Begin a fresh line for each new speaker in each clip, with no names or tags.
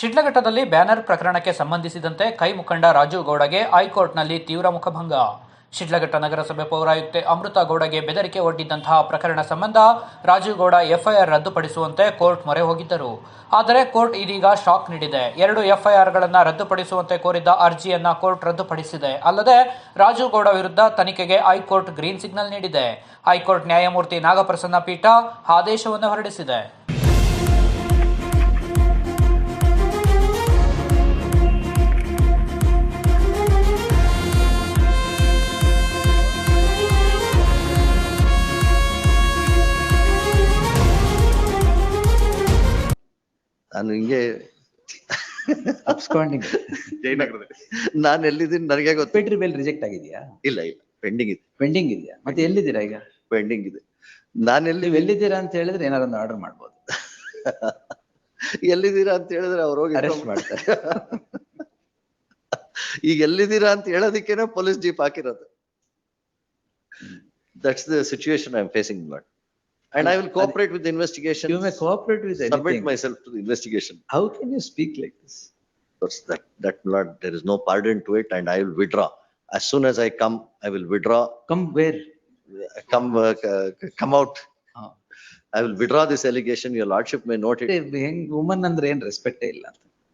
ಶಿಡ್ಲಘಟ್ಟದಲ್ಲಿ banner ಪ್ರಕರಣಕ್ಕೆ ಸಂಬಂಧಿಸಿದಂತೆ ಕೈ ಮುಖಂಡ ರಾಜು ಗೌಡಗೆ ಹೈಕೋರ್ಟ್ನಲ್ಲಿ ತೀವ್ರ ಮುಖಭಂಗ. ಶಿಡ್ಲಘಟ್ಟ ನಗರಸಭೆ ಪೌರಾಯುಕ್ತೆ ಅಮೃತ ಗೌಡಗೆ ಬೆದರಿಕೆ ಒಡ್ಡಿದ್ದಂತಹ ಪ್ರಕರಣ ಸಂಬಂಧ ರಾಜು ಗೌಡ ಎಫ್ಐಆರ್ ರದ್ದುಪಡಿಸುವಂತೆ ಕೋರ್ಟ್ ಮೊರೆ ಹೋಗಿದ್ದರು. ಆದರೆ ಕೋರ್ಟ್ ಇದೀಗ ಶಾಕ್ ನೀಡಿದೆ. 2 ಎಫ್ಐಆರ್ಗಳನ್ನು ರದ್ದುಪಡಿಸುವಂತೆ ಕೋರಿದ್ದ ಅರ್ಜಿಯನ್ನ ಕೋರ್ಟ್ ರದ್ದುಪಡಿಸಿದೆ. ಅಲ್ಲದೆ ರಾಜು ಗೌಡ ವಿರುದ್ಧ ತನಿಖೆಗೆ ಹೈಕೋರ್ಟ್ ಗ್ರೀನ್ ಸಿಗ್ನಲ್ ನೀಡಿದೆ. ಹೈಕೋರ್ಟ್ ನ್ಯಾಯಮೂರ್ತಿ ನಾಗಪ್ರಸನ್ನ ಪೀಠ ಆದೇಶವನ್ನು ಹೊರಡಿಸಿದೆ.
ನಾನು ಹಿಂಗೆ
ಅಬ್ಸ್ಕಾಂಡಿಂಗ್
ಜಯನಗರದಲ್ಲಿ ನಾನು ಎಲ್ಲಿದ್ದೀನಿ ನನಗೆ ಗೊತ್ತು.
ಪೇಟ್ರಿ ಬೇಲ್ ರಿಜೆಕ್ಟ್ ಆಗಿದೆಯಾ?
ಇಲ್ಲ ಪೆಂಡಿಂಗ್ ಇದೆ.
ಪೆಂಡಿಂಗ್ ಇದೆಯಾ? ಮತ್ತೆ ಎಲ್ಲಿದ್ದೀರಾ ಈಗ?
ಪೆಂಡಿಂಗ್ ಇದೆ. ನಾನು
ನೀವು ಎಲ್ಲಿದ್ದೀರಾ ಅಂತ ಹೇಳಿದ್ರೆ ಏನಾದ್ರು ಒಂದು ಆರ್ಡರ್ ಮಾಡ್ಬೋದು.
ಎಲ್ಲಿದ್ದೀರಾ ಅಂತ ಹೇಳಿದ್ರೆ ಅವ್ರು ಹೋಗಿ
ಅರೆಸ್ಟ್ ಮಾಡ್ತಾರೆ.
ಈಗ ಎಲ್ಲಿದ್ದೀರಾ ಅಂತ ಹೇಳೋದಕ್ಕೇನೆ ಪೊಲೀಸ್ ಜೀಪ್ ಹಾಕಿರೋದು. That's the situation I am facing but and I will cooperate with the investigation.
You may cooperate with anything.
Submit myself to the investigation.
How can you speak like this?
That Lord, there is no pardon to it, and I will withdraw as soon as I come. I will withdraw.
Come where?
Come out. I will withdraw this allegation. Your Lordship may note it.
Woman andre en respect ಇಲ್ಲ.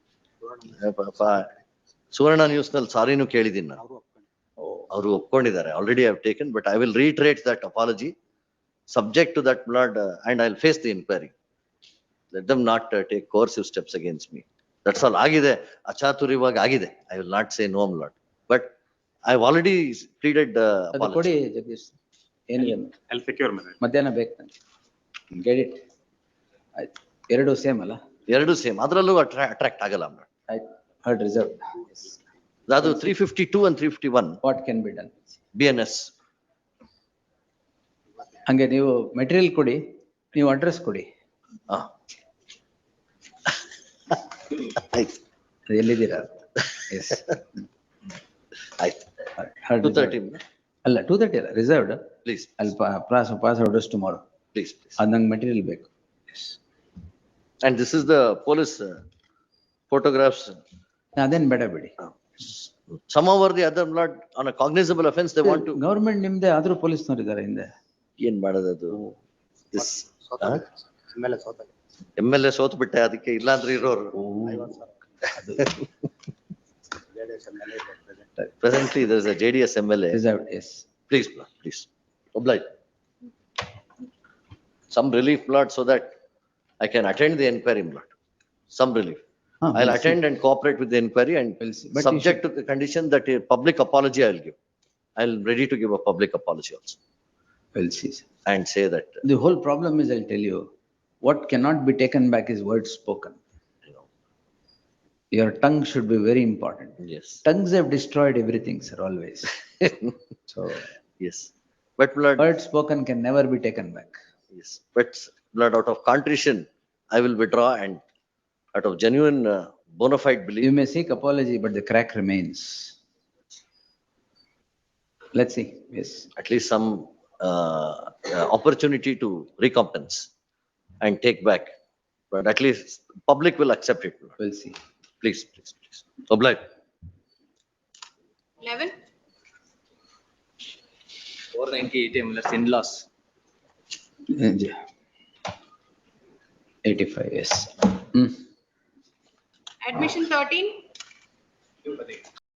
ಸುವರ್ಣ news ನಲ್ಲಿ ಸಾರಿನೂ ಕೇಳಿದ್ದೀನಿ ನಾನು. ಅವರು ಒಪ್ಕೊಂಡಿದ್ದಾರೆ. Already I have taken, but I will reiterate that apology. Subject to that, Lord, and I'll face the inquiry. Let them not take coercive steps against me. That's all. Agide, achaturivag agide. I will not say no, Lord. But I've already pleaded apology.
ಕೊಡಿ ಜಗದೀಶ್. ಏನಿಲ್ಲ.
I'll secure my right.
ಮಧ್ಯಾಹ್ನ ಬೇಕು ನನಗೆ. Get it. ಆಯ್ತು. ಎರಡು same ಅಲ್ಲ?
ಎರಡು same. ಅದರಲ್ಲೂ ಅಟ್ರಾಕ್ಟ್ ಆಗಲ್ಲ.
ಆಯ್ತು. Heard reserved.
ಅದು 352 and 351.
What can be done?
BNS.
ಹಂಗೆ ನೀವು ಮೆಟೀರಿಯಲ್ ಕೊಡಿ, ನೀವು ಅಡ್ರೆಸ್ ಕೊಡಿ.
ಆಯ್ತು.
ಎಲ್ಲಿದ್ದೀರಾ? ಎಸ್
ಆಯ್ತು. 230
ಅಲ್ಲ 230 ಅಲ್ಲ, ರಿಸರ್ವ್ಡ್.
ಪ್ಲೀಸ್
ಅಲ್ಲಿ ಪಾಸ್ ಆರ್ಡರ್ಸ್ ಟುಮಾರೋ.
ಪ್ಲೀಸ್
ಅದು ನಂಗೆ ಮೆಟೀರಿಯಲ್ ಬೇಕು.
And this is the police photographs.
ಅದೇನು ಬೇಡ ಬಿಡಿ.
Somehow or the other, Lord, on a cognizable offense they want to.
Government ನಿಮ್ದೆ ಆದ್ರೂ ಪೊಲೀಸ್ನವ್ರು ಇದ್ದಾರೆ ಹಿಂದೆ.
ಏನ್ ಮಾಡೋದದು? MLA ಸೋತ್ ಬಿಟ್ಟೆ, ಅದಕ್ಕೆ ಇಲ್ಲಾಂದ್ರೆ ಇರೋರು. Presently there is a JDS MLA.
Reserved, yes.
Please, Lord, please oblige. Some relief, Lord, so that I can attend the inquiry, Lord. Some relief. I'll attend and cooperate with the inquiry, and subject to the condition that a public apology I'll give. I'll ready to give a public apology also.
We'll see.
And say that
the whole problem is, I'll tell you, what cannot be taken back is words spoken.
You know.
Your tongue should be very important.
Yes.
Tongues have destroyed everything, sir, always. So
yes, but Lord,
words spoken can never be taken back.
yes, but Lord, out of contrition I will withdraw, and out of genuine bona fide belief.
You may seek apology, but the crack remains. Let's see. Yes,
at least some opportunity to recompense and take back, but at least public will accept it, Lord.
we'll see.
Please oblige.
11
490 ATM less in loss.
85, yes.
admission 13